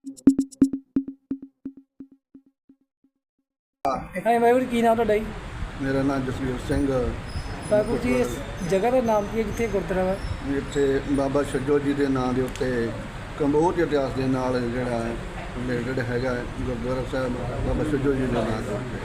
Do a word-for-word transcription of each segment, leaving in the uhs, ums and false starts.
ਹਾਂ ਵਾਹਿਗੁਰੂ ਕੀ ਨਾਮ ਤੁਹਾਡਾ ਜੀ? ਮੇਰਾ ਨਾਮ ਜਸਵੀਰ ਸਿੰਘ। ਵਾਹਿਗੁਰੂ ਜੀ, ਇਸ ਜਗ੍ਹਾ ਦਾ ਨਾਮ ਕੀ ਹੈ ਜਿੱਥੇ ਗੁਰਦੁਆਰਾ ਵਾ? ਇੱਥੇ ਬਾਬਾ ਛੱਜੋ ਜੀ ਦੇ ਨਾਂ ਦੇ ਉੱਤੇ ਕੰਬੋਜ ਇਤਿਹਾਸ ਦੇ ਨਾਲ ਜਿਹੜਾ ਰਿਲੇਟਡ ਹੈਗਾ ਗੁਰਦੁਆਰਾ ਸਾਹਿਬ ਬਾਬਾ ਛੱਜੋ ਜੀ ਦੇ ਨਾਂ ਦੇ ਉੱਤੇ।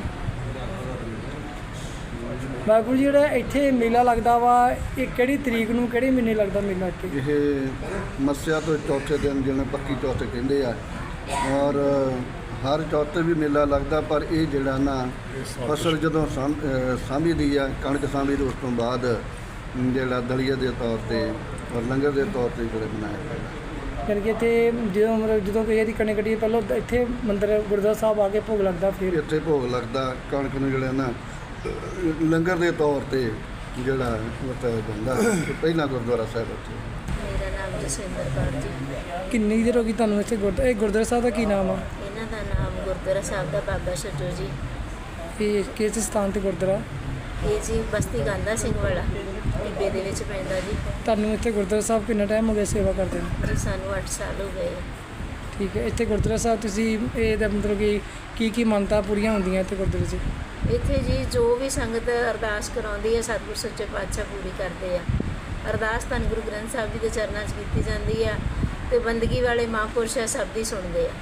ਵਾਹਿਗੁਰੂ ਜੀ, ਜਿਹੜਾ ਇੱਥੇ ਮੇਲਾ ਲੱਗਦਾ ਵਾ, ਇਹ ਕਿਹੜੀ ਤਰੀਕ ਨੂੰ, ਕਿਹੜੇ ਮਹੀਨੇ ਲੱਗਦਾ ਮੇਲਾ ਇੱਥੇ? ਇਹ ਮੱਸਿਆ ਤੋਂ ਚੌਥੇ ਦਿਨ ਜਿਹਨੂੰ ਪੱਕੀ ਚੌਥ ਕਹਿੰਦੇ ਆ, ਔਰ ਹਰ ਚੌਥੇ ਵੀ ਮੇਲਾ ਲੱਗਦਾ, ਪਰ ਇਹ ਜਿਹੜਾ ਨਾ ਫਸਲ ਜਦੋਂ ਸਾਂਭ ਸਾਂਭੀ ਦੀ ਆ, ਕਣਕ ਸਾਂਭੀ ਦੀ, ਉਸ ਤੋਂ ਬਾਅਦ ਜਿਹੜਾ ਦਲੀਆ ਦੇ ਤੌਰ 'ਤੇ ਔਰ ਲੰਗਰ ਦੇ ਤੌਰ 'ਤੇ ਜਿਹੜਾ ਬਣਾਇਆ ਜਾਂਦਾ। ਯਾਨੀ ਕਿ ਇੱਥੇ ਜਦੋਂ ਮਤਲਬ ਜਦੋਂ ਕਿਸੇ ਦੀ ਕਣਕ ਕੱਟੀ ਪਹਿਲਾਂ ਇੱਥੇ ਮੰਦਿਰ ਗੁਰਦੁਆਰਾ ਸਾਹਿਬ ਆ ਕੇ ਭੋਗ ਲੱਗਦਾ, ਫਿਰ ਇੱਥੇ ਭੋਗ ਲੱਗਦਾ। ਕਣਕ ਨੂੰ ਜਿਹੜਾ ਨਾ ਲੰਗਰ ਦੇ ਤੌਰ 'ਤੇ ਜਿਹੜਾ ਵਰਤਾਇਆ ਜਾਂਦਾ ਪਹਿਲਾਂ ਗੁਰਦੁਆਰਾ ਸਾਹਿਬ ਉੱਥੇ। ਮੇਰਾ ਨਾਮ ਜਸਵਿੰਦਰ ਕੌਰ ਜੀ। ਕਿੰਨੀ ਦੇਰ ਹੋ ਗਈ ਤੁਹਾਨੂੰ ਇੱਥੇ ਗੁਰਦੁਆਰਾ? ਇਹ ਗੁਰਦੁਆਰਾ ਸਾਹਿਬ ਦਾ ਕੀ ਨਾਮ ਆ? ਇਹਨਾਂ ਦਾ ਨਾਮ ਗੁਰਦੁਆਰਾ ਸਾਹਿਬ ਦਾ ਬਾਬਾ ਛੱਜੋ ਜੀ। ਇਹ ਕਿਸ ਸਥਾਨ ਤੇ ਗੁਰਦੁਆਰਾ? ਇਹ ਜੀ ਬਸਤੀ ਗਾਂਧਾ ਸਿੰਘ ਵਾਲਾ ਟਿੱਬੇ ਦੇ ਵਿੱਚ ਪੈਂਦਾ ਜੀ। ਤੁਹਾਨੂੰ ਇੱਥੇ ਗੁਰਦੁਆਰਾ ਸਾਹਿਬ ਕਿੰਨਾ ਟਾਈਮ ਹੋ ਗਿਆ ਸੇਵਾ ਕਰਦੇ ਨੂੰ? ਜੀ ਸਾਨੂੰ ਅੱਠ ਸਾਲ ਹੋ ਗਏ। ਠੀਕ ਹੈ। ਇੱਥੇ ਗੁਰਦੁਆਰਾ ਸਾਹਿਬ ਤੁਸੀਂ ਇਹਦਾ ਮਤਲਬ ਕਿ ਕੀ ਕੀ ਮੰਨਤਾਂ ਪੂਰੀਆਂ ਹੁੰਦੀਆਂ ਇੱਥੇ ਗੁਰਦੁਆਰੇ 'ਚ? ਇੱਥੇ ਜੀ ਜੋ ਵੀ ਸੰਗਤ ਅਰਦਾਸ ਕਰਾਉਂਦੀ ਹੈ ਸਤਿਗੁਰ ਸੱਚੇ ਪਾਤਸ਼ਾਹ ਪੂਰੀ ਕਰਦੇ ਆ। ਅਰਦਾਸ ਧੰਨ ਗੁਰੂ ਗ੍ਰੰਥ ਸਾਹਿਬ ਜੀ ਦੇ ਚਰਨਾਂ 'ਚ ਕੀਤੀ ਜਾਂਦੀ ਆ ਅਤੇ ਬੰਦਗੀ ਵਾਲੇ ਮਹਾਂਪੁਰਸ਼ ਆ ਸਭ ਦੀ ਸੁਣਦੇ ਆ।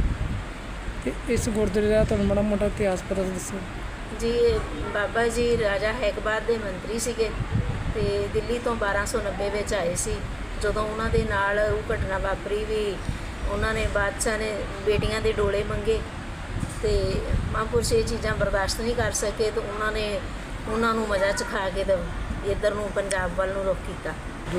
ਤੇ ਇਸ ਗੁਰਦੁਆਰੇ ਦਾ ਤੁਹਾਨੂੰ ਮਾੜਾ ਮੋਟਾ ਇਤਿਹਾਸ ਪਤਾ ਦੱਸੋ ਜੀ। ਬਾਬਾ ਜੀ ਰਾਜਾ ਹੈਕਬਾਦ ਦੇ ਮੰਤਰੀ ਸੀਗੇ ਅਤੇ ਦਿੱਲੀ ਤੋਂ ਬਾਰਾਂ ਸੌ ਨੱਬੇ ਵਿੱਚ ਆਏ ਸੀ। ਜਦੋਂ ਉਹਨਾਂ ਦੇ ਨਾਲ ਉਹ ਘਟਨਾ ਵਾਪਰੀ ਵੀ ਉਹਨਾਂ ਨੇ ਬਾਦਸ਼ਾਹ ਨੇ ਬੇਟੀਆਂ ਦੇ ਡੋਲੇ ਮੰਗੇ ਅਤੇ ਮਹਾਂਪੁਰਸ਼ ਇਹ ਚੀਜ਼ਾਂ ਬਰਦਾਸ਼ਤ ਨਹੀਂ ਕਰ ਸਕੇ, ਅਤੇ ਉਹਨਾਂ ਨੇ ਉਹਨਾਂ ਨੂੰ ਮਜ਼ਾ ਚਖਾ ਕੇ ਤੇ ਇੱਧਰ ਨੂੰ ਪੰਜਾਬ ਵੱਲ ਨੂੰ ਰੁਖ ਕੀਤਾ।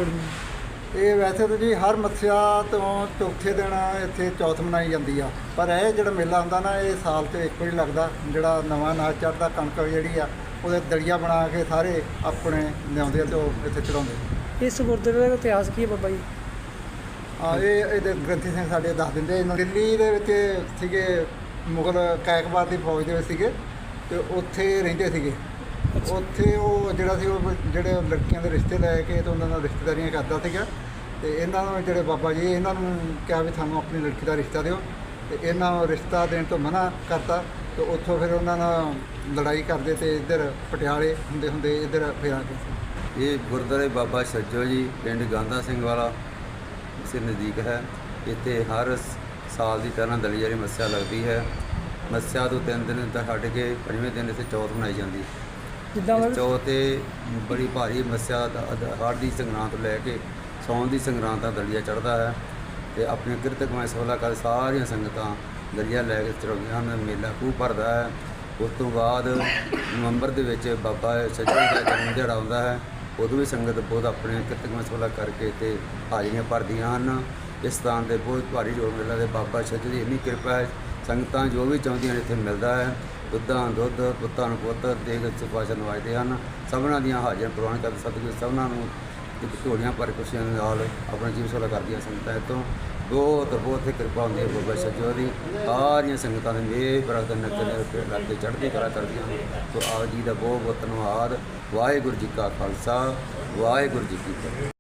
ਇਹ ਵੈਸੇ ਤਾਂ ਜੀ ਹਰ ਮੱਸਿਆ ਤੋਂ ਚੌਥੇ ਦਿਨ ਇੱਥੇ ਚੌਥ ਮਨਾਈ ਜਾਂਦੀ ਆ, ਪਰ ਇਹ ਜਿਹੜਾ ਮੇਲਾ ਹੁੰਦਾ ਨਾ ਇਹ ਸਾਲ 'ਚ ਇੱਕ ਵਾਰੀ ਲੱਗਦਾ। ਜਿਹੜਾ ਨਵਾਂ ਅਨਾਜ ਚੜ੍ਹਦਾ, ਕਣਕ ਜਿਹੜੀ ਆ ਉਹਦੇ ਦਲੀਆ ਬਣਾ ਕੇ ਸਾਰੇ ਆਪਣੇ ਲਿਆਉਂਦੇ ਆ ਅਤੇ ਉਹ ਇੱਥੇ ਚੜਾਉਂਦੇ। ਇਸ ਗੁਰਦੁਆਰੇ ਦਾ ਇਤਿਹਾਸ ਕੀ ਹੈ ਬਾਬਾ ਜੀ? ਹਾਂ, ਇਹ ਇਹਦੇ ਗ੍ਰੰਥੀ ਸਿੰਘ ਸਾਡੇ ਦੱਸ ਦਿੰਦੇ। ਇਹਨਾਂ ਦਿੱਲੀ ਦੇ ਵਿੱਚ ਸੀਗੇ, ਮੁਗਲ ਕਾਇਕਬਾਦ ਦੀ ਫੌਜ ਦੇ ਵਿੱਚ ਸੀਗੇ ਅਤੇ ਉੱਥੇ ਰਹਿੰਦੇ ਸੀਗੇ। ਉੱਥੇ ਉਹ ਜਿਹੜਾ ਸੀ ਉਹ ਜਿਹੜੇ ਲੜਕੀਆਂ ਦੇ ਰਿਸ਼ਤੇ ਲੈ ਕੇ ਅਤੇ ਉਹਨਾਂ ਨਾਲ ਰਿਸ਼ਤੇਦਾਰੀਆਂ ਕਰਦਾ ਸੀਗਾ, ਅਤੇ ਇਹਨਾਂ ਨੂੰ ਜਿਹੜੇ ਬਾਬਾ ਜੀ ਇਹਨਾਂ ਨੂੰ ਕਿਹਾ ਵੀ ਸਾਨੂੰ ਆਪਣੀ ਲੜਕੀ ਦਾ ਰਿਸ਼ਤਾ ਦਿਓ, ਅਤੇ ਇਹਨਾਂ ਨੂੰ ਰਿਸ਼ਤਾ ਦੇਣ ਤੋਂ ਮਨ੍ਹਾ ਕਰਤਾ। ਅਤੇ ਉੱਥੋਂ ਫਿਰ ਉਹਨਾਂ ਨਾਲ ਲੜਾਈ ਕਰਦੇ ਅਤੇ ਇੱਧਰ ਪਟਿਆਲੇ ਹੁੰਦੇ ਹੁੰਦੇ ਇੱਧਰ ਫਿਰ ਆ ਗਏ। ਇਹ ਗੁਰਦੁਆਰੇ ਬਾਬਾ ਛੱਜੋ ਜੀ ਪਿੰਡ ਗਾਂਧਾ ਸਿੰਘ ਵਾਲਾ ਇਸੇ ਨਜ਼ਦੀਕ ਹੈ। ਇੱਥੇ ਹਰ ਸਾਲ ਦੀ ਤਰ੍ਹਾਂ ਦਲੀਆ ਦੀ ਮੱਸਿਆ ਲੱਗਦੀ ਹੈ। ਮੱਸਿਆ ਤੋਂ ਤਿੰਨ ਦਿਨ ਤੱਕ ਛੱਡ ਕੇ ਪੰਜਵੇਂ ਦਿਨ ਇੱਥੇ ਚੌਥ ਮਨਾਈ ਜਾਂਦੀ। ਜਿੱਦਾਂ ਇਸ ਚੌਥ 'ਤੇ ਬੜੀ ਭਾਰੀ ਮੱਸਿਆ ਹੜ੍ਹ ਦੀ ਸੰਗਰਾਂਦ ਤੋਂ ਲੈ ਕੇ ਸੌਣ ਦੀ ਸੰਗਰਾਂਦ ਦਾ ਦਲੀਆ ਚੜ੍ਹਦਾ ਹੈ, ਅਤੇ ਆਪਣੇ ਕਿਰਤ ਕਮਾਈ ਸੋਲਾ ਕਰ ਸਾਰੀਆਂ ਸੰਗਤਾਂ ਦਲੀਆ ਲੈ ਕੇ ਚੜ੍ਹਾਉਂਦੀਆਂ ਹਨ। ਮੇਲਾ ਖੂਬ ਭਰਦਾ ਹੈ। ਉਸ ਤੋਂ ਬਾਅਦ ਨਵੰਬਰ ਦੇ ਵਿੱਚ ਬਾਬਾ ਛੱਜੋ ਜੀ ਦਾ ਜਨਮ ਦਿਹਾੜਾ ਆਉਂਦਾ ਹੈ। ਉਦੋਂ ਵੀ ਸੰਗਤ ਬਹੁਤ ਆਪਣੇ ਕਿਰਤ ਕਮਾਈ ਸੋਲਾ ਕਰਕੇ ਅਤੇ ਹਾਜ਼ਰੀਆਂ ਭਰਦੀਆਂ ਹਨ। ਇਸ ਸਥਾਨ 'ਤੇ ਬਹੁਤ ਭਾਰੀ ਜੋੜ ਮੇਲਾ ਅਤੇ ਬਾਬਾ ਛੱਜੋ ਦੀ ਇੰਨੀ ਕਿਰਪਾ ਹੈ, ਸੰਗਤਾਂ ਜੋ ਵੀ ਚਾਹੁੰਦੀਆਂ ਨੇ ਇੱਥੇ ਮਿਲਦਾ ਹੈ। ਦੁੱਧਾਂ ਦੁੱਧ, ਪੁੱਤਾਂ ਨੂੰ ਪੁੱਤ ਦੇਗ ਪਾਤਸ਼ਾਹ ਨਵਾਜਦੇ ਹਨ। ਸਭਨਾਂ ਦੀਆਂ ਹਾਜ਼ਰੀਆਂ ਪ੍ਰਵਾਨ ਕਰਦੇ ਸਤਿਗੁਰੂ ਸਭਨਾਂ ਨੂੰ ਝੋਲੀਆਂ ਭਰ ਖੁਸ਼ੀਆਂ ਦੇ ਨਾਲ ਆਪਣਾ ਜੀਵਨ ਸੋਲਾ ਕਰਦੀਆਂ ਸੰਗਤਾਂ। ਇੱਥੋਂ ਬਹੁਤ ਬਹੁਤ ਕਿਰਪਾ ਹੁੰਦੀ ਹੈ ਬਾਬਾ ਛੱਜੋ ਦੀ। ਸਾਰੀਆਂ ਸੰਗਤਾਂ ਦੇ ਮੇਹ ਬਰਕਤ ਨਕਲੇ ਉੱਤੇ ਲੱਗ ਕੇ ਚੜ੍ਹਦੀ ਕਲਾ ਕਰਦੀਆਂ ਹਨ। ਸੋ ਆਪ ਜੀ ਦਾ ਬਹੁਤ ਬਹੁਤ ਧੰਨਵਾਦ। ਵਾਹਿਗੁਰੂ ਜੀ ਕਾ ਖਾਲਸਾ, ਵਾਹਿਗੁਰੂ ਜੀ ਕੀ ਫਤਿਹ।